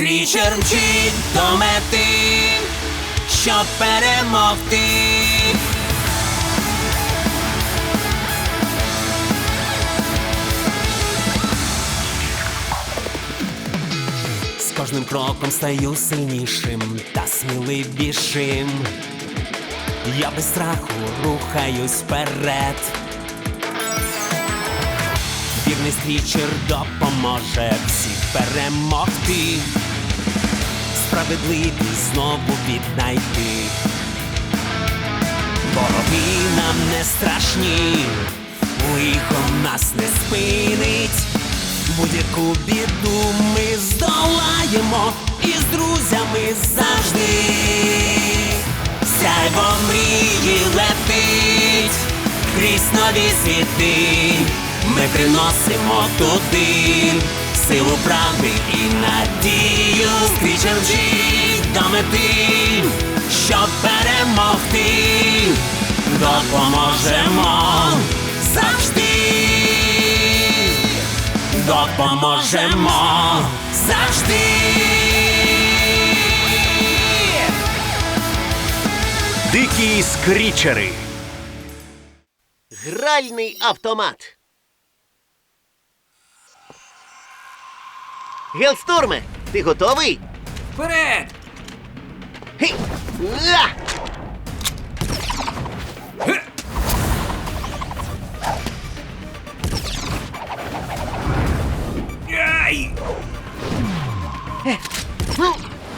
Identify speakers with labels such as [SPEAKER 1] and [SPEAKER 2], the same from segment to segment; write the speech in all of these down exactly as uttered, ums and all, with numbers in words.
[SPEAKER 1] Скрічер мчить до мети, щоб перемогти. З кожним кроком стаю сильнішим та сміливішим. Я без страху рухаюсь вперед. Вірний скрічер допоможе всіх перемогти, справедливість знову віднайти. Вороги нам не страшні, лихо нас не спинить. Будь-яку біду ми здолаємо і з друзями завжди. Сяйво мрії летить крізь нові світи. Ми приносимо туди силу правди і надію. Скрічер мчить до мети, щоб перемогти. Допоможемо завжди. Допоможемо завжди.
[SPEAKER 2] Дикі скрічери.
[SPEAKER 3] Гральний автомат. Гелсторме, ти готовий?
[SPEAKER 1] Вперед!
[SPEAKER 3] Гей! А!
[SPEAKER 1] Ай!
[SPEAKER 3] Ну,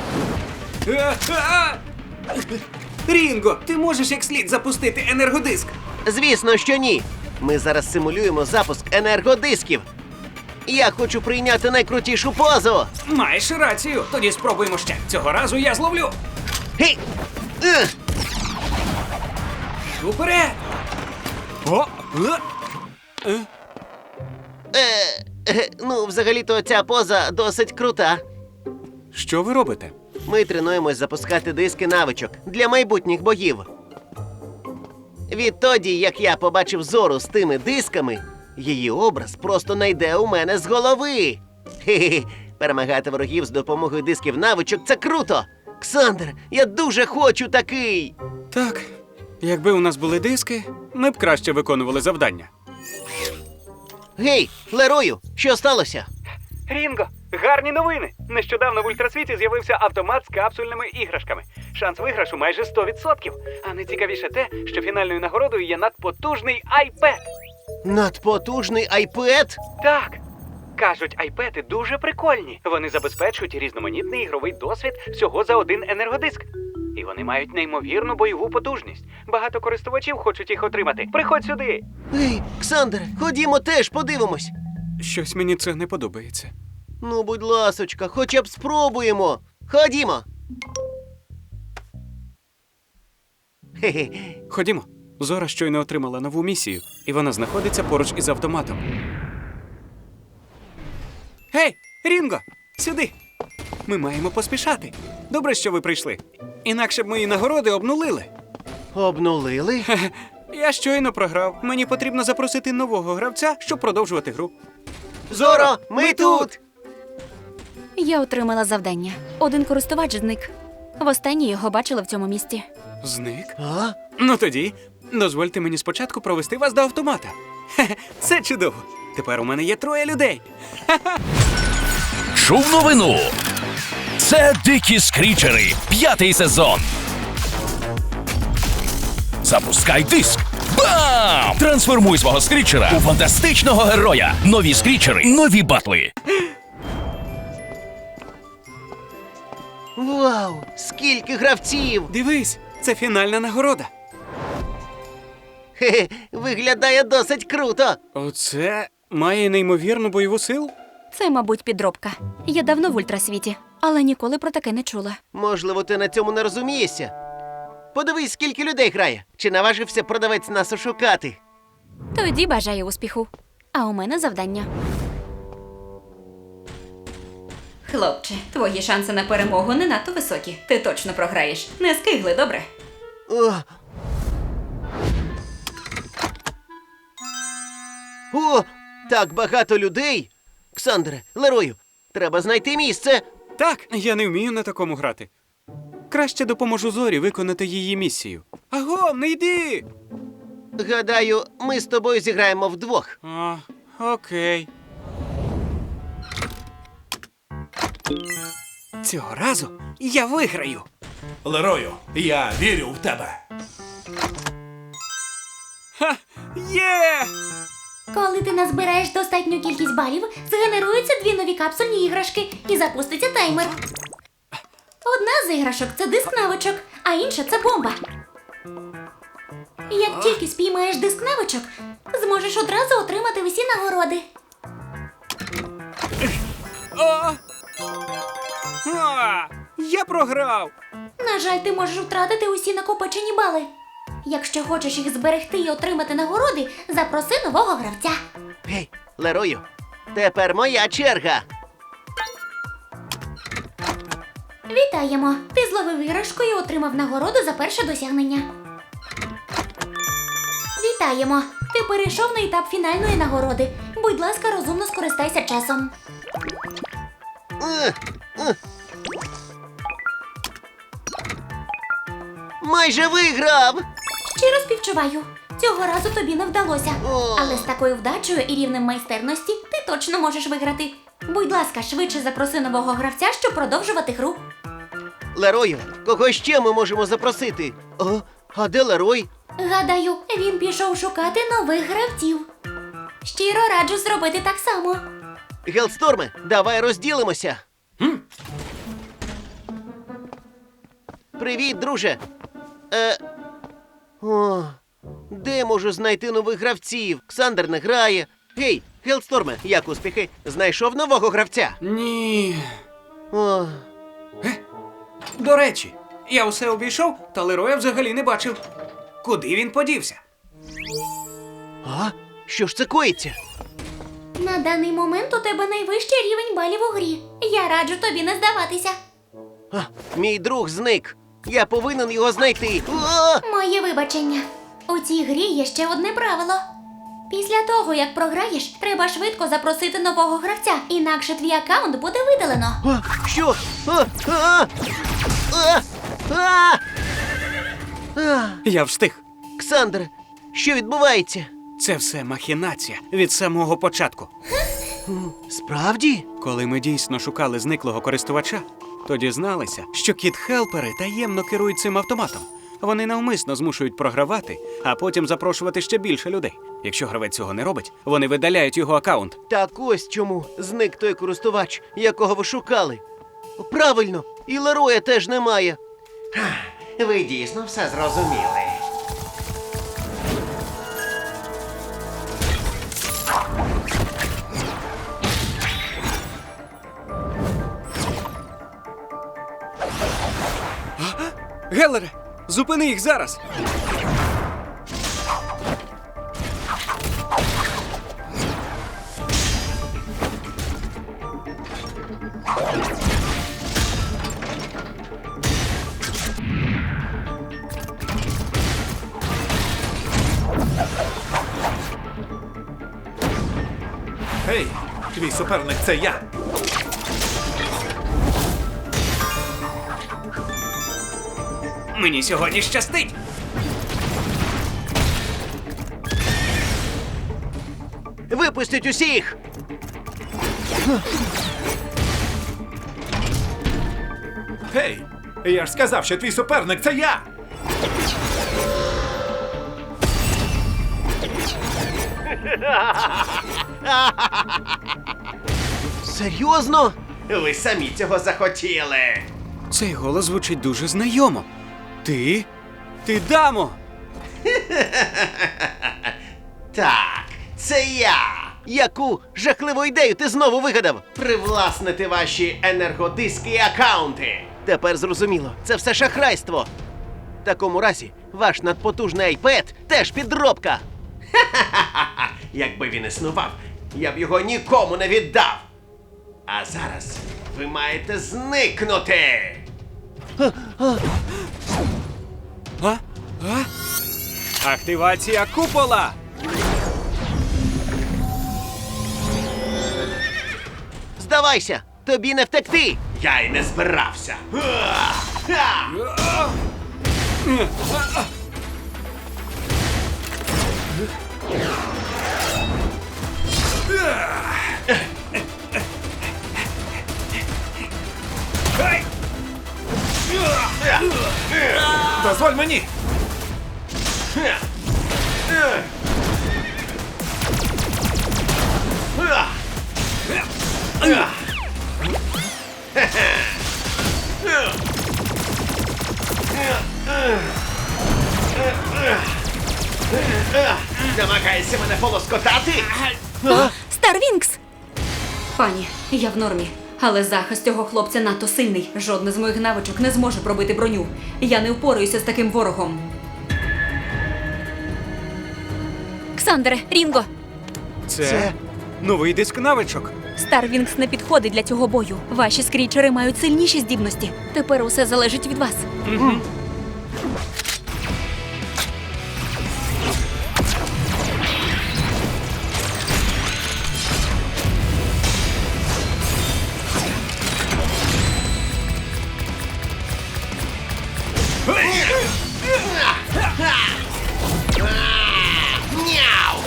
[SPEAKER 4] Рінго, ти можеш як слід запустити енергодиск?
[SPEAKER 3] звісно, що ні. Ми зараз симулюємо запуск енергодисків. Я хочу прийняти найкрутішу позу.
[SPEAKER 4] Маєш рацію. Тоді спробуємо ще. Цього разу я зловлю.
[SPEAKER 3] Гей! Е!
[SPEAKER 4] Уперед! О! Е!
[SPEAKER 3] Е, е, ну, взагалі-то ця поза досить крута.
[SPEAKER 4] Що ви робите?
[SPEAKER 3] Ми тренуємось запускати диски навичок для майбутніх боїв. Відтоді, як я побачив Зору з тими дисками, її образ просто не йде у мене з голови. Хе-хе, перемагати ворогів з допомогою дисків навичок – це круто! Ксандр, я дуже хочу такий!
[SPEAKER 4] Так, якби у нас були диски, ми б краще виконували завдання.
[SPEAKER 3] Гей, Лерою, що сталося?
[SPEAKER 5] Рінго, гарні новини! Нещодавно в ультрасвіті з'явився автомат з капсульними іграшками. Шанс виграшу майже сто відсотків. А найцікавіше те, що фінальною нагородою є надпотужний айпед.
[SPEAKER 3] Надпотужний айпед?
[SPEAKER 5] Так. Кажуть, айпеди дуже прикольні. Вони забезпечують різноманітний ігровий досвід всього за один енергодиск. І вони мають неймовірну бойову потужність. Багато користувачів хочуть їх отримати. Приходь сюди!
[SPEAKER 3] Ей, Ксандр, ходімо теж подивимось.
[SPEAKER 4] Щось мені це не подобається.
[SPEAKER 3] Ну, будь ласочка, хоча б спробуємо. Ходімо. Хе-хе.
[SPEAKER 4] Ходімо. Зора щойно отримала нову місію, і вона знаходиться поруч із автоматом. Гей, Рінго, сюди! Ми маємо поспішати. Добре, що ви прийшли. Інакше б мої нагороди обнулили.
[SPEAKER 3] Обнулили?
[SPEAKER 4] Хе-хе. Я щойно програв. Мені потрібно запросити нового гравця, щоб продовжувати гру.
[SPEAKER 3] Зоро, ми тут!
[SPEAKER 6] Я отримала завдання. Один користувач зник. Востаннє його бачила в цьому місті.
[SPEAKER 4] Зник?
[SPEAKER 3] А?
[SPEAKER 4] Ну тоді, дозвольте мені спочатку провести вас до автомата. Хе-хе, це чудово. Тепер у мене є троє людей.
[SPEAKER 2] Чув новину. Це Дикі скрічери. П'ятий сезон. Запускай диск. Бам! Трансформуй свого скрічера у фантастичного героя. Нові скрічери, нові батли.
[SPEAKER 3] Вау, скільки гравців!
[SPEAKER 4] Дивись, це фінальна нагорода.
[SPEAKER 3] Хе-хе, виглядає досить круто.
[SPEAKER 4] Оце має неймовірну бойову силу?
[SPEAKER 6] Це, мабуть, підробка. Я давно в ультрасвіті, але ніколи про таке не чула.
[SPEAKER 3] Можливо, ти на цьому не розумієшся. Подивись, скільки людей грає. Чи наважився продавець нас ошукати?
[SPEAKER 6] Тоді бажаю успіху. А у мене завдання. Хлопче, твої шанси на перемогу не надто високі. Ти точно програєш. Не скигли, добре?
[SPEAKER 3] О! О, так багато людей! Ксандре, Лерою, треба знайти місце.
[SPEAKER 4] Так, я не вмію на такому грати. Краще допоможу Зорі виконати її місію. Аго, не йди!
[SPEAKER 3] Гадаю, ми з тобою зіграємо вдвох.
[SPEAKER 4] А, окей. Цього разу я виграю.
[SPEAKER 1] Лерою, я вірю в тебе.
[SPEAKER 4] Ха! Є!
[SPEAKER 7] Коли ти назбираєш достатню кількість балів, згенеруються дві нові капсульні іграшки і запуститься таймер. Одна з іграшок це диск навичок, а інша це бомба. Як тільки спіймаєш диск навичок, зможеш одразу отримати усі нагороди.
[SPEAKER 4] О! А! Я програв!
[SPEAKER 7] На жаль, ти можеш втратити усі накопичені бали. Якщо хочеш їх зберегти і отримати нагороди, запроси нового гравця.
[SPEAKER 3] Гей, Лерою, тепер моя черга.
[SPEAKER 7] Вітаємо! Ти зловив іграшку і отримав нагороду за перше досягнення. Вітаємо! Ти перейшов на етап фінальної нагороди. Будь ласка, розумно скористайся часом.
[SPEAKER 3] Е, е. Майже виграв!
[SPEAKER 7] Щиро співчуваю. Цього разу тобі не вдалося.
[SPEAKER 3] О.
[SPEAKER 7] Але з такою вдачею і рівнем майстерності ти точно можеш виграти. Будь ласка, швидше запроси нового гравця, щоб продовжувати гру.
[SPEAKER 3] Лерою, кого ще ми можемо запросити? О, а де Лерой?
[SPEAKER 7] Гадаю, він пішов шукати нових гравців. Щиро раджу зробити так само.
[SPEAKER 3] Гелсторме, давай розділимося. Привіт, друже. Е... О, де можу знайти нових гравців? Ксандер не грає. Гей, Гелсторме, як успіхи? Знайшов нового гравця?
[SPEAKER 4] Ні.
[SPEAKER 3] О,
[SPEAKER 4] До речі, я усе обійшов, та Лероя взагалі не бачив. Куди він подівся?
[SPEAKER 3] а? Що ж це коїться?
[SPEAKER 7] На даний момент у тебе найвищий рівень балів у грі. Я раджу тобі не здаватися.
[SPEAKER 3] А, мій друг зник. Я повинен його знайти. О!
[SPEAKER 7] Моє вибачення. У цій грі є ще одне правило. Після того, як програєш, треба швидко запросити нового гравця, інакше твій аккаунт буде видалено.
[SPEAKER 3] А, що? А, а, а, а, а.
[SPEAKER 4] Я встиг.
[SPEAKER 3] Ксандр, що відбувається?
[SPEAKER 4] Це все махінація від самого початку.
[SPEAKER 3] Справді?
[SPEAKER 4] Коли ми дійсно шукали зниклого користувача, то дізналися, що кіт-хелпери таємно керують цим автоматом. Вони навмисно змушують програвати, а потім запрошувати ще більше людей. Якщо гравець цього не робить, вони видаляють його аккаунт.
[SPEAKER 3] Так ось чому зник той користувач, якого ви шукали. Правильно, і Лероя теж немає.
[SPEAKER 8] Ви дійсно все зрозуміли.
[SPEAKER 4] Гелере, зупини їх зараз!
[SPEAKER 1] Гей, твій суперник це я.
[SPEAKER 4] Мені сьогодні щастить!
[SPEAKER 3] Випустіть усіх!
[SPEAKER 1] Гей, я ж сказав, що твій суперник це я.
[SPEAKER 3] Серйозно?
[SPEAKER 8] Ви самі цього захотіли.
[SPEAKER 4] Цей голос звучить дуже знайомо. Ти? Ти Дамо!
[SPEAKER 8] Так, це я.
[SPEAKER 3] Яку жахливу ідею ти знову вигадав?
[SPEAKER 8] Привласнити ваші енергодиски і акаунти.
[SPEAKER 3] Тепер зрозуміло, це все шахрайство. В такому разі, ваш надпотужний айпед теж підробка.
[SPEAKER 8] Ха-ха-ха! Якби він існував, я б його нікому не віддав. А зараз ви маєте зникнути.
[SPEAKER 4] А? А? Активація купола!
[SPEAKER 3] Здавайся, тобі не втекти.
[SPEAKER 8] Я й не збирався. А! А!
[SPEAKER 1] Дозволь мені!
[SPEAKER 8] Намагаєшся мене полоскотати?
[SPEAKER 7] Старвінкс!
[SPEAKER 6] Пані, я в нормі. Але захист цього хлопця надто сильний. Жодна з моїх навичок не зможе пробити броню. Я не впораюся з таким ворогом.
[SPEAKER 7] Ксандере, Рінго!
[SPEAKER 4] Це,
[SPEAKER 8] Це-
[SPEAKER 4] новий диск навичок.
[SPEAKER 7] Старвінкс не підходить для цього бою. Ваші скрічери мають сильніші здібності. Тепер усе залежить від вас.
[SPEAKER 8] Няу!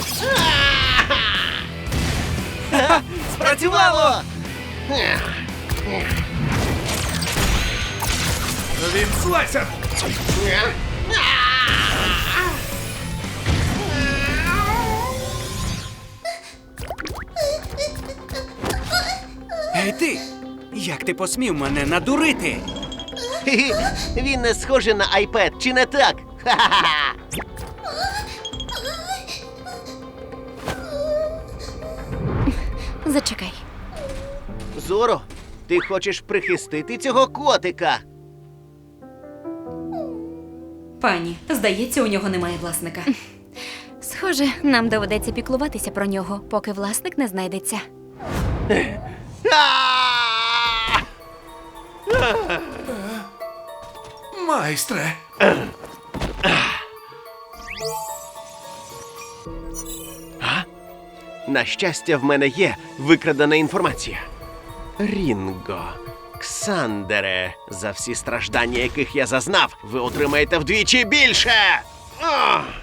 [SPEAKER 8] Спрацювало!
[SPEAKER 1] Він слайсер!
[SPEAKER 4] Ей ти! Як ти посмів мене надурити?
[SPEAKER 3] Хі-хі, він не схожий на iPad, чи не так? Ха-ха-ха!
[SPEAKER 7] Зачекай.
[SPEAKER 3] Зоро, ти хочеш прихистити цього котика?
[SPEAKER 6] Пані, здається, у нього немає власника.
[SPEAKER 7] Схоже, нам доведеться піклуватися про нього, поки власник не знайдеться.
[SPEAKER 3] А!
[SPEAKER 1] Майстре!
[SPEAKER 3] На щастя, в мене є викрадена інформація. Рінго, Ксандере, за всі страждання, яких я зазнав, ви отримаєте вдвічі більше! Ах!